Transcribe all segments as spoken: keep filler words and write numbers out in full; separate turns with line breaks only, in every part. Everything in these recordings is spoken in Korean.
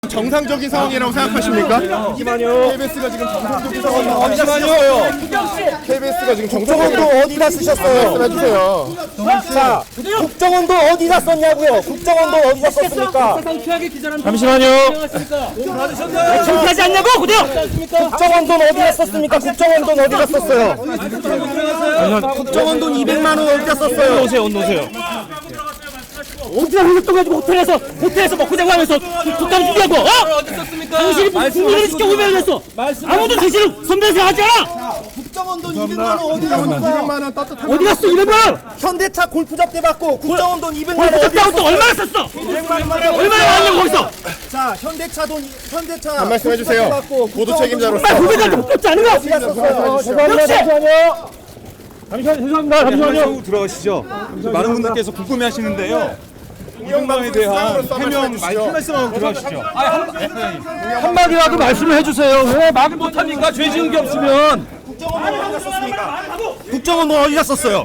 정상적인 상황이라고 생각하십니까?
잠시만요.
케이비에스가 지금 정상적인 상황이라고
잠시만요.
케이비에스가 지금
국정원도
정상적인
어디다 쓰셨어요?
말씀해주세요.
자, 국정원도 어디다 썼냐고요? 국정원도 어디다 썼습니까? 잠시만요.
창피하지 않냐고 그대요.
국정원 돈 어디다 썼습니까? 국정원 돈 어디다 썼어요? 국정원 돈 이백만 원 어디다 썼어요?
오세요, 오세요. 어디다 흘렸던 가지고 호텔에서 호텔에서 먹고 자고 하면서 국감 준비하고 어? 당신이 국민을 지켜 오면 했어. 아무도 당신을 선배에서 하지 않아.
국정원 돈 이백만 원 어디다 썼어요?
이백만 원 따뜻한
어디 갔어 이백만 원?
현대차 골프잡대 받고 국정원 돈 이백만 원
골프
어디다
잡다고 또 얼마나 썼어? 얼마나 왔냐고 거기서?
자, 현대차 돈 현대차
한 말씀 해주세요.
받고
보도 책임자로서
빨리 후배들한테 못 받지 않은 거?
어디다 썼어요?
죄송합니다. 잠시만요. 잠시만요. 죄송합니다. 잠시만요.
들어가시죠. 많은 분들께서 궁금해하시는데요. 이병방에 대한 해명 한 말씀하고 들어가시죠.
한마디라도 말씀을 해주세요. 왜 말을 못합니까? 죄 지은 게 없으면.
국정원 돈 어디다 썼습니까? 국정원 돈 어디다 썼어요?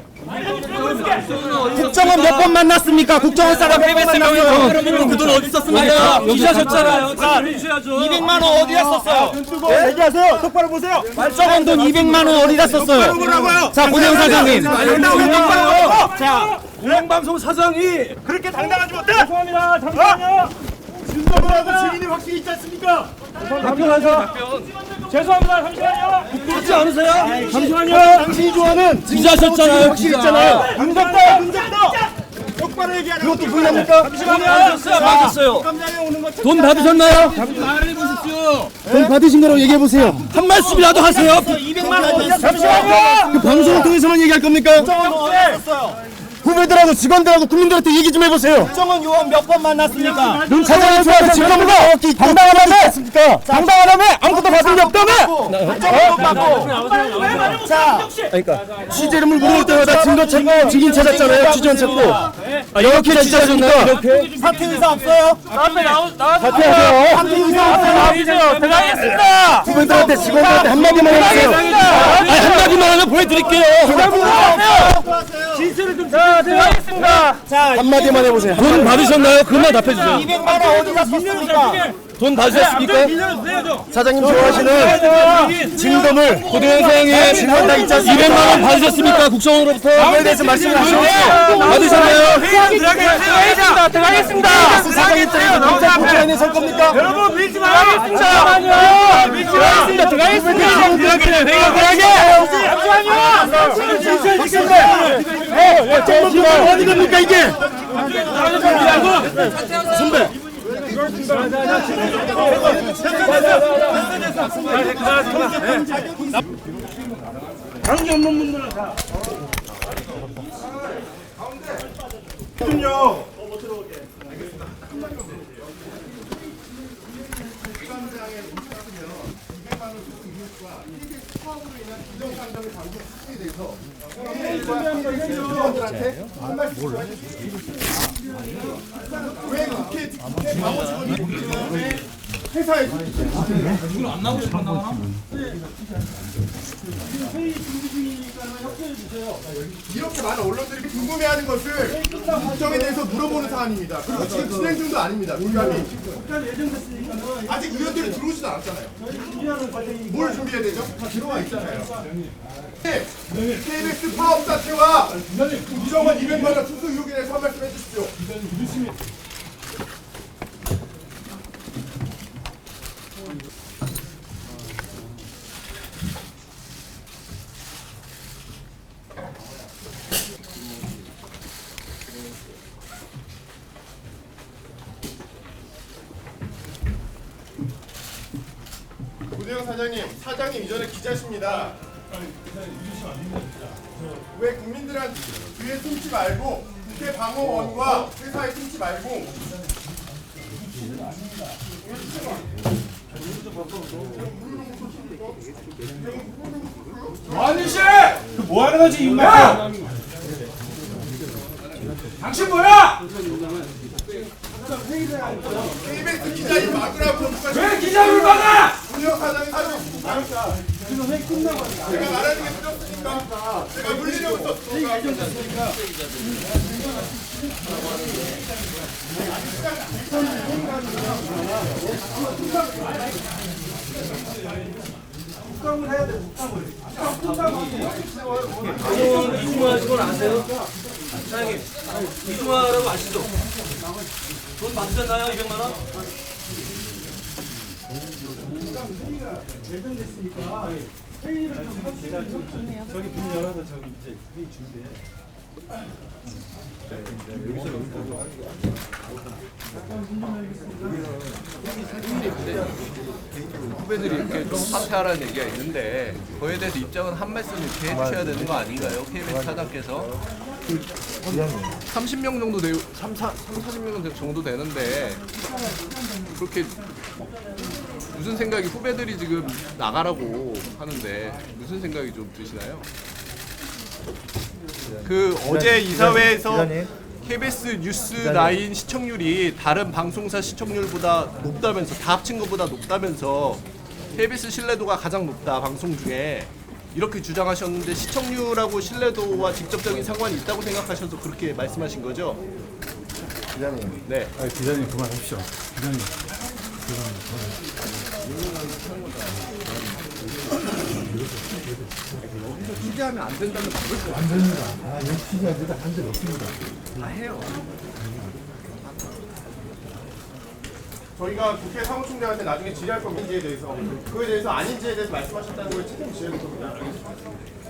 국정원 몇 번 만났습니까? 국정원 사람 몇 번 만났어요?
그돈 어디 썼습니까? 기자셨잖아요. 자,
이백만 원 어디다 썼어요? 네? 얘기하세요. 똑바로 보세요. 국정원 돈 이백만 원 어디다 썼어요? 자, 고대영 사장님. 자,
공영방송 사장이
그렇게 당당하지 못해?
죄송합니다. 잠시만요.
준서하고 증인이 확실히 있지 않습니까?
답변하세요. 죄송합니다. 잠시만요. 부끄럽지 않으세요? 잠시만요.
당신이 좋아하는
기자셨잖아요.
확실히 있잖아요. 문답다, 문답다. 똑바로 얘기하는 그것도 불납니까?
받았어요. 받았어요. 돈 받으셨나요? 말해보십시오.
돈 받으신 거라고 얘기해 보세요.
한 말씀이라도 하세요.
이백만 원 잠시만요. 그 방송을 통해서만 얘기할 겁니까? 국정원 어디다 썼어요? 후배들하고 직원들하고 국민들한테 얘기 좀 해보세요. 국정원 요원 몇 번 만났습니까? 눈 사장을 좋아해서 직원보다 당당하다며? 당당하다며? 아무것도 받은 게 없다며? 국정원 받고. 자, 그러니까 취재 이름을 물어볼 때마다 증거 찾고 증인 찾았잖아요. 취재원 찾고. 아, 이렇게 취재하셨습니까? 이렇게? 사퇴 의사 없어요?
앞에 나오 나와서
사퇴하세요. 사퇴 의사 없어요?
들어가겠습니다.
후배들한테 직원들한테 한마디만 해주세요.
아니 한마디만 하면 보여드릴게요. 진술을 좀 자, 들어가겠습니다.
자,
한마디만 해보세요.
돈 받으셨나요? 그만 답해주세요.
이백만 원 어디다 썼습니까?
돈 받으셨습니까?
사장님 좋아하시는
증거물 고대현 사장님
증거 다 있지 않습니까?
이백만 원 받으셨습니까? 국정원으로부터
그거에 대해서 말씀을 하시죠.
받으셨나요? 들어가겠습니다. 들어가겠습니다.
사장 입장에서 경찰 국정원에 설 겁니까?
여러분 밀지 말아야겠습니다. 들어가겠습니다. 들어가겠습니다.
잠시만 어디 갑니까 이게?
선배. 관계 없는 분들은 다.
왜 국회 국회 광고 직원이 회사에 안 나오고 싶었나? 이렇게 많은 언론들이 궁금해하는 것을 국정에 대해서 물어보는 사안입니다. 그리고 지금 진행 중도 아닙니다. 국감이 아직 의원들이 들어오지도 않았잖아요. 뭘 준비해야 되죠? 다 들어와 있잖아요. 네. 케이비에스 파업 사태와 이정원 이백만 원 수수 의혹에 대해서 한 말씀 해주십시오. 고대영 사장님, 사장님 이전에 기자십니다. 왜 국민들한테 뒤에 숨지 말고 국회 방어원과 회사에 숨지 말고
아저씨! 뭐 하는 거지, 임마? 당신 뭐야?
케이비에스 기자님 막으라고
왜 기자를 막아?
고대영 사장님 사장 제가 말하는 게 틀렸으니까 제가 물리려고 썼으니까.
이중화하신 건 아세요? 사장님, 이중화라고 아시죠? 돈 받으셨나요? 이백만 원?
후배들이 이렇게 좀 사퇴하라는 얘기가 있는데 그거에 대해서 입장은 한 말씀 이렇게 해주셔야 되는 거 아닌가요? 케이비에스 차장께서 삼십 명 정도 되, 삼, 사십 명 정도 되는데 그렇게 무슨 생각이 후배들이 지금 나가라고 하는데 무슨 생각이 좀 드시나요? 그 어제 이사회에서 케이비에스 뉴스 나인 시청률이 다른 방송사 시청률보다 높다면서 다 합친 것보다 높다면서 케이비에스 신뢰도가 가장 높다 방송 중에 이렇게 주장하셨는데 시청률하고 신뢰도와 직접적인 상관이 있다고 생각하셔서 그렇게 말씀하신 거죠?
기자님.
네.
아, 기자님 그만하십시오. 기자님.
취재하면 안 된다는 말을
안 됩니다. 아, 여기 취재하지도 한적 없습니다.
다 해요.
저희가 국회 사무총장한테 나중에 질의할 겁니다. 인지에 대해서 그거에 대해서 아닌지에 대해서 말씀하셨다는 걸 책임지셔야 될 겁니다.